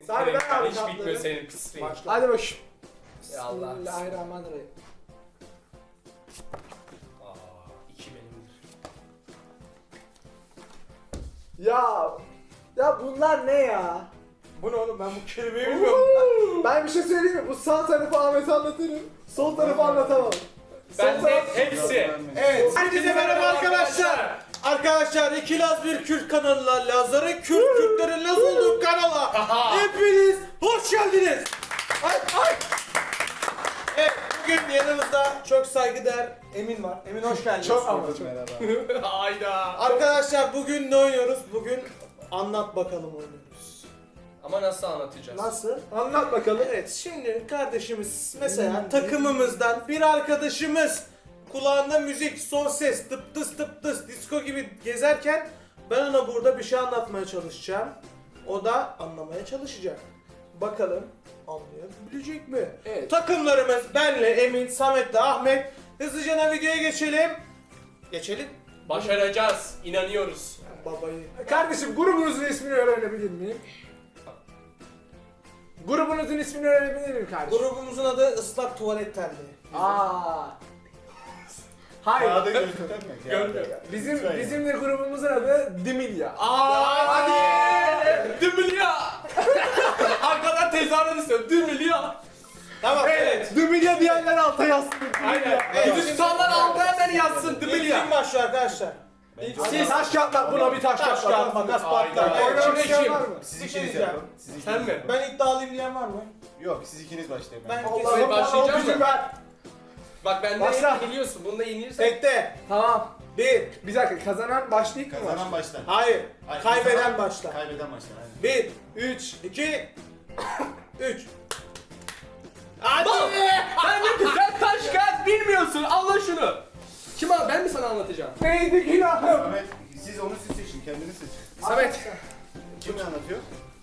Hadi ben abi Hiç bitmiyor kartları. senin pisliğin. Hadi bakayım. Ya Allah. Bismillahirrahmanirrahim. Aa, 2 benimdir. Ya bunlar ne ya? Bu ne oğlum, ben bu kelimeyi bilmiyorum. Ben bir şey söyleyeyim mi? Bu sağ tarafı Ahmet'e anlatırım. Sol tarafı anlatamam. Ben Sol de taraf- hepsi. Evet, herkese merhaba arkadaşlar. Arkadaşlar, iki Laz bir Kürt kanalına, Lazların Kürtlerin Laz olduğu kanala hepiniz hoş geldiniz. Ay. Evet, bugün yanımızda çok saygıdeğer Emin var. Emin hoş geldiniz. Çok ama çok. Hayda. Arkadaşlar, bugün ne oynuyoruz? Bugün anlat bakalım oynuyoruz. Ama nasıl anlatacağız? Nasıl? Anlat bakalım. Evet, şimdi kardeşimiz mesela takımımızdan bir arkadaşımız kulağında müzik, son ses, tıp tıs disco gibi gezerken ben ona burada bir şey anlatmaya çalışacağım. O da anlamaya çalışacak. Bakalım anlayabilecek mi? Evet. Takımlarımız benle, Emin, Samet'le Ahmet. Hızlıca videoya geçelim. Geçelim. Başaracağız. İnanıyoruz. Babayı. Kardeşim grubunuzun ismini öğrenebilir miyim? Grubunuzun ismini öğrenebilir miyim kardeşim? Grubumuzun adı Islak Tuvalet Terliği. Aa. Hayır. Kağıda göstermek. Görmüyor. Bizim de grubumuzun adı Dimilya. Aa, hadi. Dümülya. Arkadan tezahürat istiyorum. Dümülya. Tamam, evet. Dimilya diyenler alta yazsın. Aynen. Evet. Hindistan'dan altına hemen yazsın İlk Dümülya. kim başlıyor arkadaşlar? Siz taş kağıt bak, buna bir taş Taş kağıt kağıt makas patlar. Aynen. Evet, Oynamak şimdi isteyen kim? var mı? Siz Bir ikiniz şey diyeceğim. yapın. Siz ikiniz. Sen mi? Ben iddialıyım diyen var mı? Yok, siz ikiniz başlayın. Ben Allah'ım kesin. bana o başlayacağım gücü mı? ver. Bak benden Başla. yeniliyorsun. Bunda yenilirsen. Tekte. Tamam. Bir. Bir dakika, kazanan başlayık mı? Kazanan başlar. Hayır. Hayır, Kaybeden kazanan- başlar. Kaybeden başlar. Aynen. Bir. 3, 2, 3. Hadi. Sen ne güzel taş kağıt bilmiyorsun. Allah şunu. Kim abi? Ben mi sana anlatacağım? Neydi günahım? Samet, siz onu seçin. Kendiniz seçin. Samet. Kim anlatıyor?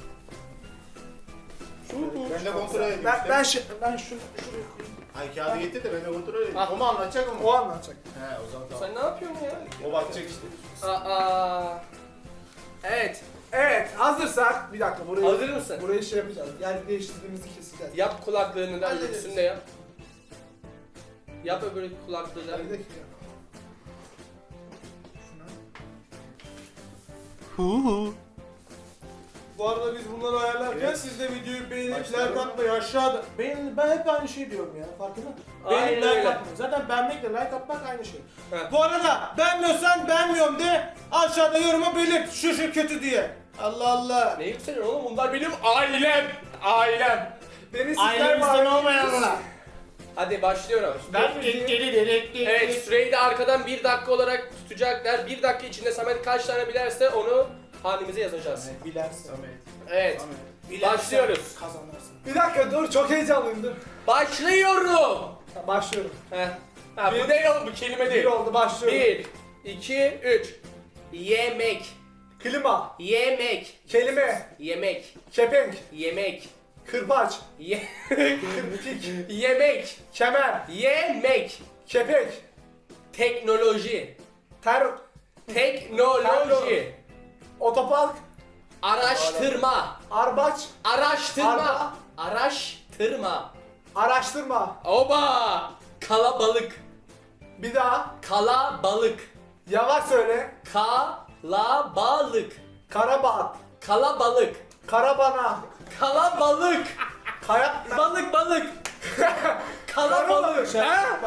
Ben de kontrol edeyim Ben işte. ben şunu Ay kağıdı getir de ben de kontrol edeyim. Ah. O mu anlatacak o mu? o anlatacak. He, o zaman tamam. Sen ne yapıyorsun ya? O bakacak işte. Aa. Evet. Evet, hazırsak bir dakika burayı Hazır mısın? Burayı şey yapacağız. Yer değiştirdiğimizi keseceğiz. Yap kulaklığını da Hallederiz. öbürsünü de yap. Yap öbür kulaklığı da. Bir dakika. Bu arada biz bunları ayarlarken Evet. siz de videoyu beğenip Başlayalım. like atmayı aşağıda. Ben hep aynı şey diyorum ya, farkında mısın? Aynen Beğenip like öyle. atmayı. Zaten beğenmekle like atmak aynı şey. Evet. Bu arada beğenmiyorsan beğenmiyorum de aşağıda yoruma belirt şu kötü diye. Allah Allah. Ne yükseliyorsun oğlum? Bunlar benim ailem. Ailem. Beni sizler Ailemizden var. olmayanlar. Hadi başlıyorum. Ben Evet, süreyi de arkadan 1 dakika olarak tutacaklar. 1 dakika içinde Samet kaç tane bilerse onu hanemize yazacağız. Bilersin. Samet. Evet. Samet. Bilersen Başlıyoruz. Kazanırsın. Bir dakika dur, çok heyecanlıyım dur. Başlıyorum. Başlıyorum. Heh. Ha, bu değil oğlum, bu kelime Bir değil. oldu, başlıyorum. 1, 2, 3. Yemek. Klima, Yemek. kelime, Yemek. kepenk, Yemek. kırbaç, Ye kırpik, Yemek. kemer, Yemek. kepek, Teknoloji. ter, Teknoloji. otopark, Araştırma. arbaç, Araştırma. Araba. Araştırma. araştırma. Oba. Kalabalık. Bir daha, Kalabalık. yavaş söyle. Kalabalık. Karabaat, Kalabalık. karabana, Kalabalık. kaya... Balık. Kalabalık.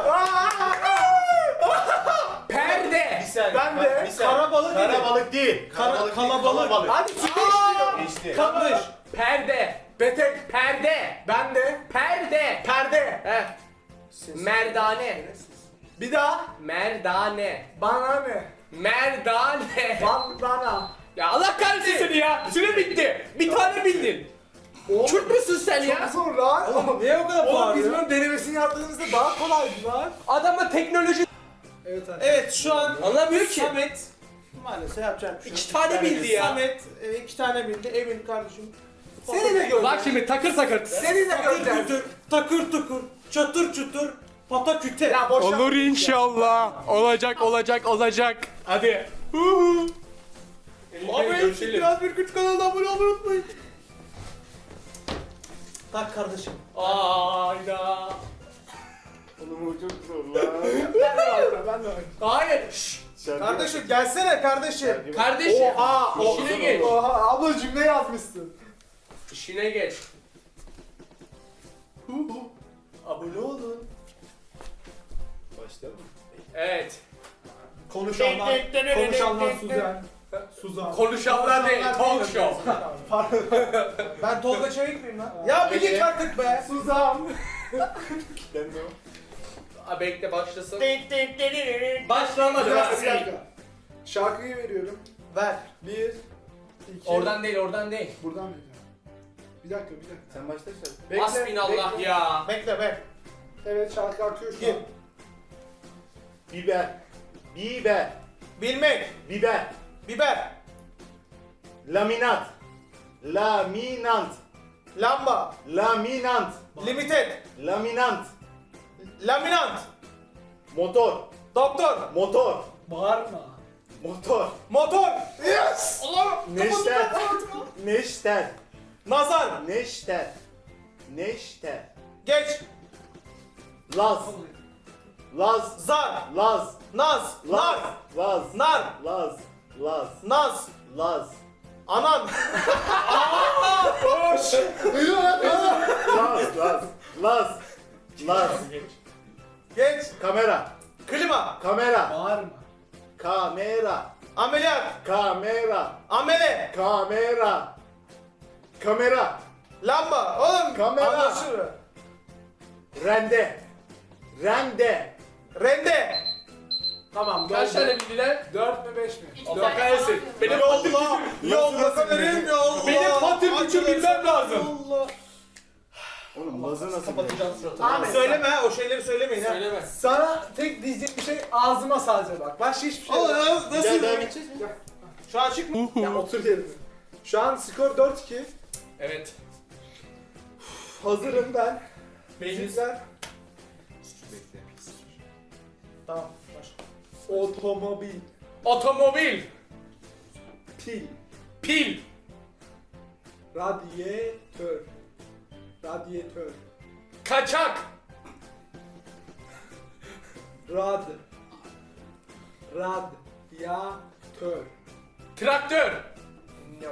Perde. Bir saniye. Ben bak, de bir saniye. karabalık dedim. Karabalık değil. Kalabalık. Kalabalık. Hadi çıkıştırıyorum. Geçti. Yanlış. Perde. Betek, Perde. ben de, Perde. perde. Heh. Merdane. Bir daha, Merdane. bana ne? Merdane. Bandana. Ya Allah kahretsin seni ya. Süre bitti. Bir tane bildin. Kürt müsün sen Çok ya? zor lan. Oğlum niye o kadar Oğlum biz bağırıyor? bunun denemesini yaptığımızda daha kolaydı lan. Adama teknoloji Evet abi. Evet, şu an anlamıyor ki. Samet maalesef yapacak bir şey yok. 2 tane bildi ya. Samet 2 tane bildi. Emin kardeşim. Seni de göreceğiz. Bak şimdi takır takır. Seni de Takır göreceğiz. kütür, takır tukur, çatır çutur, pata küte. Ya boş Olur inşallah. Olacak. Hadi. Abi görüşelim. biraz bir güç kanalına abone olmayı unutmayın. Tak kardeşim. Ayda. Oğlum bu çok zor lan. Ben de Hayır. Şşş. Kardeşim gelsene kardeşim. Kardeşim. Oha, İşine geç. Oha abla cümle yazmışsın. İşine geç. Abone olun. Başlayalım mı? Evet. Konuşanlar Suzan. Suzan. Konuşanlar değil. Talk show. Ben Tolga Çevik miyim lan? Ya bir git artık be. Suzan. Kitlendi o. Aa, bekle başlasın. Başlamadı. Bir dakika. Şarkıyı veriyorum. Ver. 1, 2. Oradan değil, oradan değil. Buradan vereceğim. Bir dakika. Sen başla işte. Bekle, Hasbinallah bekle. ya. Bekle be. Evet şarkı akıyor şu Gir. an. Biber. Biber. Bilmek. Biber. Biber. Laminat. Laminant. Lamba. Laminant. Limited. Laminant. Laminant. Motor. Doktor. Motor. Bağırma. Motor. Motor. Yes. Allah. Neşter. Neşter. Nazar. Neşter. Neşter. Geç. Laz. Laz. Zar. Laz. Naz. Nar. Laz. Nar. Laz. Laz. Naz. Laz. Anan. Laz. Laz. Laz. Laz. Geç. Kamera. Klima. Kamera. Bağırma. Kamera. Ameliyat. Kamera. Amele. Kamera. Kamera. Lamba. Oğlum. Kamera. Anlaşılır. Rende. Rende. Rende. Tamam. Kaç tane bildiler? 4 mi 5 mi? Allah kahretsin. Benim Yolla. Yolla kamerim yolla. Benim patim gücü bilmem lazım. Yolla. Oğlum Laz'ı nasıl Kapatacağım suratını. Tamam söyleme ha, o şeyleri söylemeyin ha. Söyleme. Sana tek diyecek bir şey ağzıma sadece bak. Başka hiçbir şey yok. Nasıl? Gel devam edeceğiz mi? Şu an açık mı? Ya otur yerine. Şu an skor 4-2. Evet. Hazırım ben. Benim. Sizler. Tamam. Başla. Otomobil. Otomobil. Pil. Pil. Radyatör. Radyatör. Kaçak. Radyatör. Traktör. No.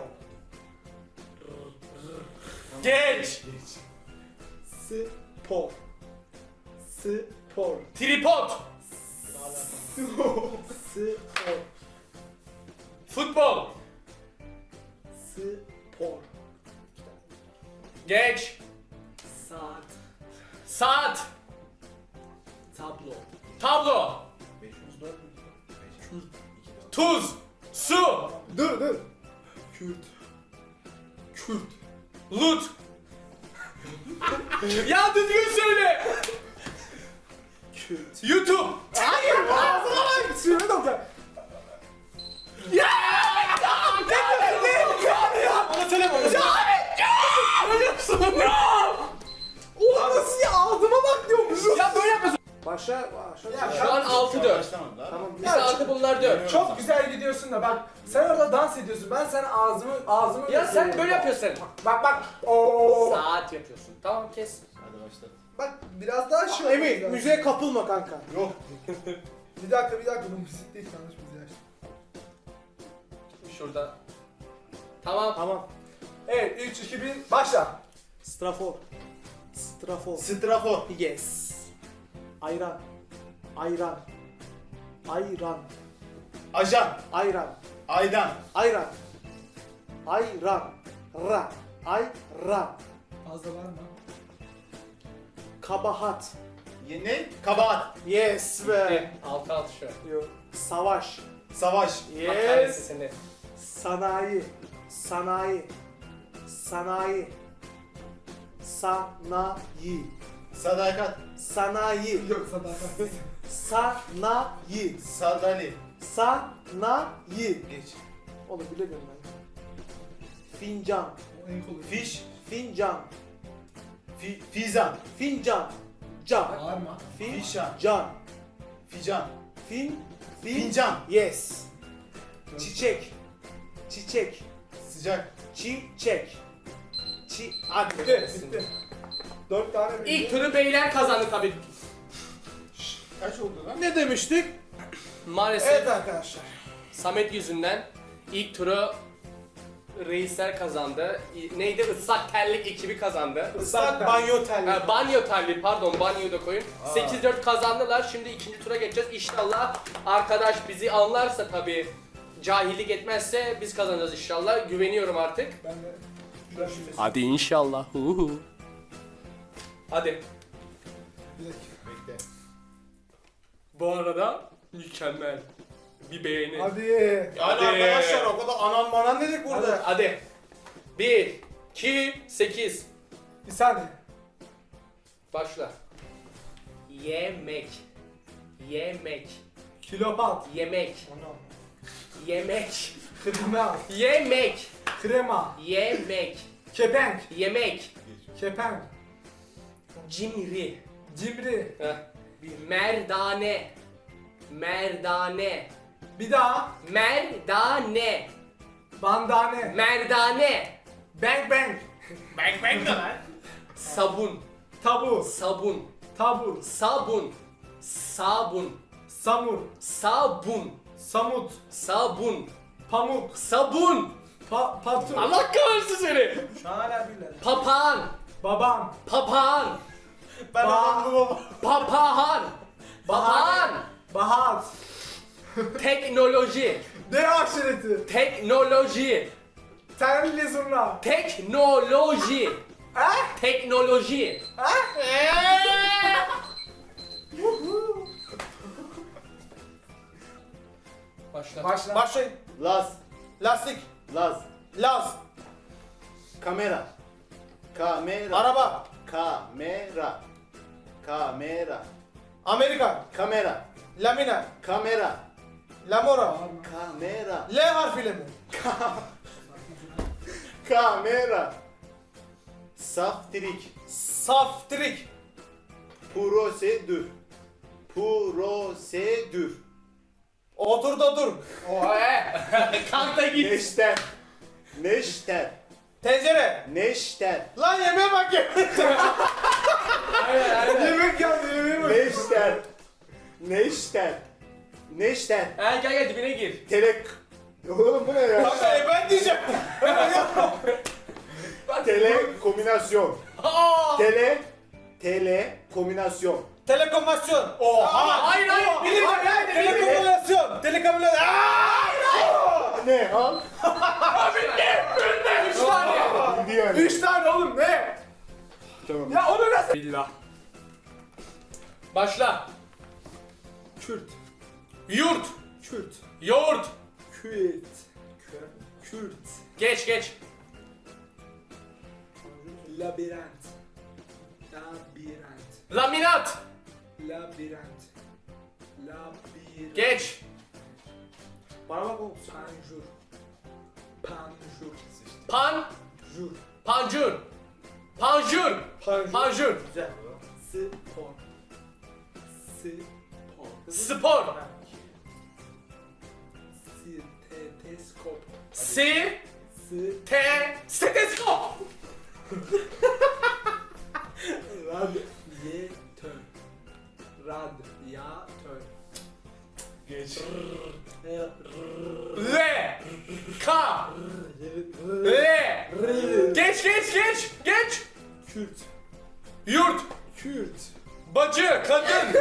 Geç. Spor. Spor. Tripod. Spor. Futbol. Spor. Geç. Saat. Saat. Tablo. Tablo. Tuz. Su. Dur. Kürt. Kürt. Lut. Ya düzgün söyle. Kürt. YouTube. Sürme doktor. Bana söyleme onu. Ulan nasıl ya ağzıma bak diyormuşum. Ya böyle yapmasın. Başla. Ya Şu an 6-4. Başlamadı daha. Tamam. Biz 6 bunlar 4. Çok güzel gidiyorsun da bak sen orada dans ediyorsun. Ben sana ağzımı Ya sen böyle yapıyorsun. Bak. Oo. Saat yapıyorsun. Tamam kes. Hadi başla. Bak biraz daha şey Emin oldu. müziğe kapılma kanka. Yok. Bir dakika bu müzik değil yanlış müziği açtım. Şurada. Tamam. Tamam. Evet 3 2 1 başla. Strafor. Strafor. Strafor. Yes. Ayran. Ayran. Ayran. Ajan. Ayran. Aydan. Ayran. Ayran. Ra. Ayran. Fazla var mı? Kabahat. Ne? Kabahat. Yes be. 6-6 şu an. Yok. Savaş. Savaş. Allah kahretsin Yes. seni. Sanayi. Sanayi. Sanayi. Sanayi. Sadakat. Sanayi. Yok sadakat. Sanayi. Sadali. Sanayi. Geç. Oğlum bilemiyorum ben. Fincan. O en kolay. Fiş. Fincan. Fizan. Fincan. Can. Bağırma. Fişan. Can. Fican. Fincan. Yes. Çiçek. Çiçek. Sıcak. Çiçek. Hadi. Bitti. Bitti. 4 tane bildi. İlk turu beyler kazandı tabii. Kaç oldu lan? Ne demiştik? Maalesef Evet arkadaşlar. Samet yüzünden ilk turu reisler kazandı. Neydi? Islak terlik ekibi kazandı. Islak banyo terliği. Banyo terliği pardon, banyoyu da koyun. 8-4 kazandılar. Şimdi ikinci tura geçeceğiz. İnşallah arkadaş bizi anlarsa tabii, cahillik etmezse biz kazanacağız inşallah. Güveniyorum artık. Ben de şuradan bir Hadi inşallah. Hadi. dakika. Bekle. Bu arada mükemmel. Bir beğeni. Hadi. Yani Hadi. arkadaşlar o kadar anan banan dedik burada. Hadi. 1, 2, 8. Bir saniye. Başla. Yemek. Yemek. Kilopat. Yemek. Onu. Yemek. Krema. Yemek. Krema. Yemek. Kepenk. Yemek. Kepenk. Cimri. Cimri. Heh. Merdane. Merdane. Bir daha. Merdane. Bandane. Merdane. Bang bang. Bang bang de lan. Sabun. Tabu. Sabun. Tabu. Sabun. Sabun. Samur. Sabun. Samut. Sabun. Pamuk. Sabun. Patu. Allah kahretsin seni. Şu an hala birler. Papağan. Babam. Papağan. Ben anam bu baba. Papağan. Papağan. Bahat. Teknoloji. Ne aşireti? Teknoloji. Terli zurna. Teknoloji. Ha? Teknoloji. Ha? Başla. Başla. Başlayın. Laz. Lastik. Laz. Laz. Kamera. Kamera. Araba. Kamera. Kamera. Amerika. Kamera. Lamina. Kamera. Lamora. Kamera. L harfiyle mi? Kamera. Saftirik. Saftirik. Prosedür. Prosedür. Otur da dur. Kalk da git. Neşter. Neşter. Tencere. Neşter. Lan yemeğe bak ya. Yemek geldi yemeğe bak. Neşter. Neşter. Neşter. Gel dibine gir. Telek. Oğlum bu ne ya? Kanka ben diyeceğim. Telekombinasyon. Aa! Telekombinasyon. Telekomünikasyon. Oha! Hayır hayır. Bilir. Telekomünikasyon. Telekomünikasyon. Ne? Al. Üç tane. Bildi yani. 3 tane oğlum ne? Tamam. Ya onu nasıl? Billah. Başla. Kürt. Yurt. Kürt. Yoğurt. Kürt. Kürt. Geç. Labirent. Labirent. Laminat. Labirent. Labirent. Geç. Bana bak oğlum. Panjur. Panjur. Pan. Jur. Pancur. Panjur. Panjur. Panjur. Güzel. Spor. Spor. Spor. Steteskop. Si. S. Te. Steteskop. Radyatör. Radyatör. Geç. Le. Ka. Le. Geç. Kürt. Yurt. Kürt. Bacı. Kadın.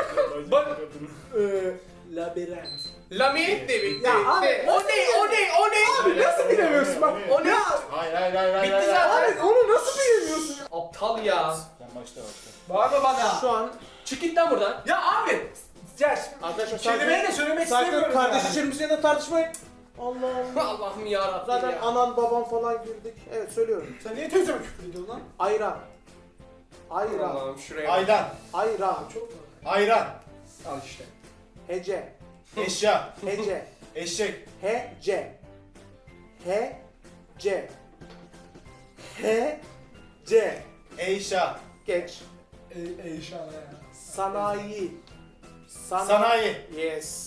Labirent. Laminat de bitti. Ya abi, O ne? Abi nasıl bilemiyorsun bak? O ne? Hayır. Bitti zaten. Abi onu nasıl bilemiyorsun? Aptal ya. Sen başla. Bağırma bana. Şu an Çık git lan buradan. Ya abi. Ya şimdi arkadaşlar kelimeyi de söylemek sakın istemiyorum kardeş yani. içerimizde de tartışmayın. Allah Allah. Allah'ım yarabbim Zaten ya. anan baban falan girdik. Evet söylüyorum. Sen niye teyzeme küfür ediyorsun lan? Ayran. Ayran. Allah'ım şuraya bak. Aydan. Ayran. Ayran. Al işte. Hece. Eşya. Hece. Eşek. Hece. Hece. Hece. Eşya. Geç. İnşallah ya. Sanayi. Sanayi. Yes.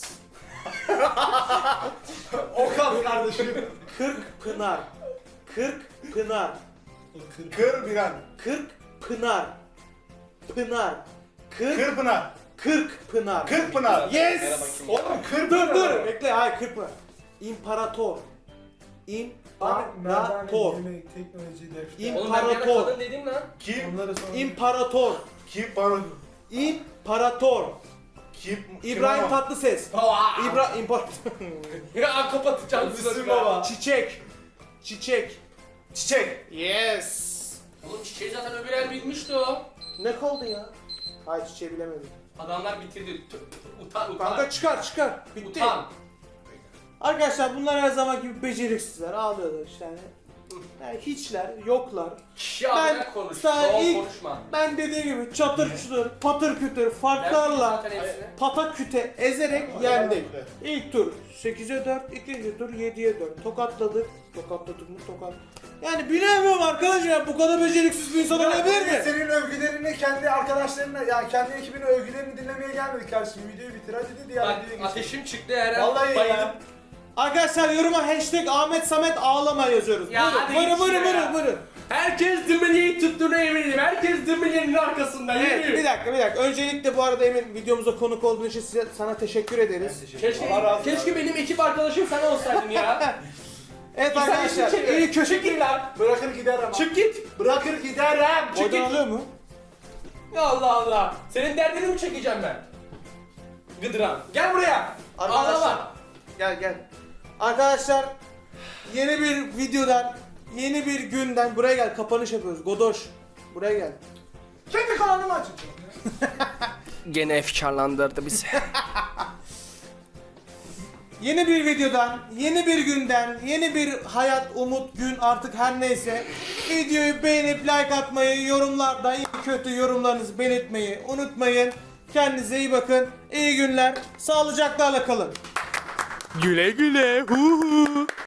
Okan kardeşim. Kırk Pınar. Kırk Pınar. Kır bir an. Kırk Pınar. Pınar. Kırpınar. Kırk Pınar. Kırpınar. Yes! Oğlum Dur. Bekle. Hayır Kırpınar. İmparator. Abi nereden İmparator. yemek, teknoloji, defter. İm- Oğlum ben bir ara İmparator. kadın dedim lan. Kim? Onları sonra... İmparator. Kim bana? İmparator. Kim? İbrahim Tatlıses. İmparator. Ya kapatacağım Müslüm baba. Çiçek. Çiçek. Yes. Oğlum çiçeği zaten öbür el bilmişti o. Ne kaldı ya? Hayır çiçeği bilemedim. Adamlar bitirdi. Utan. Kanka çıkar. Bitti. Utan. Arkadaşlar bunlar her zaman gibi beceriksizler. Ağlıyorlar işte yani hiçler, yoklar. Ya Ben ben konuş. sana Çoğul ilk- konuşma. Ben dediğim gibi çatır çutur, patır kütür, Ben farklarla zaten hepsini. patak küte ezerek yendik. İlk tur 8'e 4, ikinci tur 7'ye 4. Tokatladık mı? Yani bilemiyorum arkadaşlar, bu kadar beceriksiz bir insan olabilir mi? Senin övgülerini kendi arkadaşlarına, yani kendi ekibinin övgülerini dinlemeye gelmedik kardeşim. Videoyu bitir hadi dedi ya. Bak videoya geçelim. ateşim çıktı her an. Vallahi bayılıp. ya. Arkadaşlar yoruma hashtag Ahmet Samet ağlama yazıyoruz. Ya hadi Buyurun. Herkes Dümeli'yi tuttuğuna eminim. Herkes Dümeli'nin arkasında. Evet, Yürü. bir dakika. Öncelikle bu arada Emin videomuza konuk olduğun için sana teşekkür ederiz. Keşke benim ekip arkadaşım sen olsaydın ya. Evet İnsan arkadaşlar, işini çevir. iyi köşe Çık git lan. Bırakır gider ama. Çık git. Bırakır giderim. Çık Oradan git. alıyor mu? Ya Allah. Senin derdini mi çekeceğim ben? Gıdıran. Gel buraya. Arkadaşlar. Ağlama. Gel. Arkadaşlar yeni bir videodan, yeni bir günden buraya gel, kapanış yapıyoruz. Godoş buraya gel. Kendi kanalımı açacağım. Gene efkarlandırdı bizi. Yeni bir videodan, yeni bir günden, yeni bir hayat, umut, gün artık her neyse. Videoyu beğenip like atmayı, yorumlarda iyi kötü yorumlarınızı belirtmeyi unutmayın. Kendinize iyi bakın. İyi günler. Sağlıcakla kalın. Güle güle. Hu hu.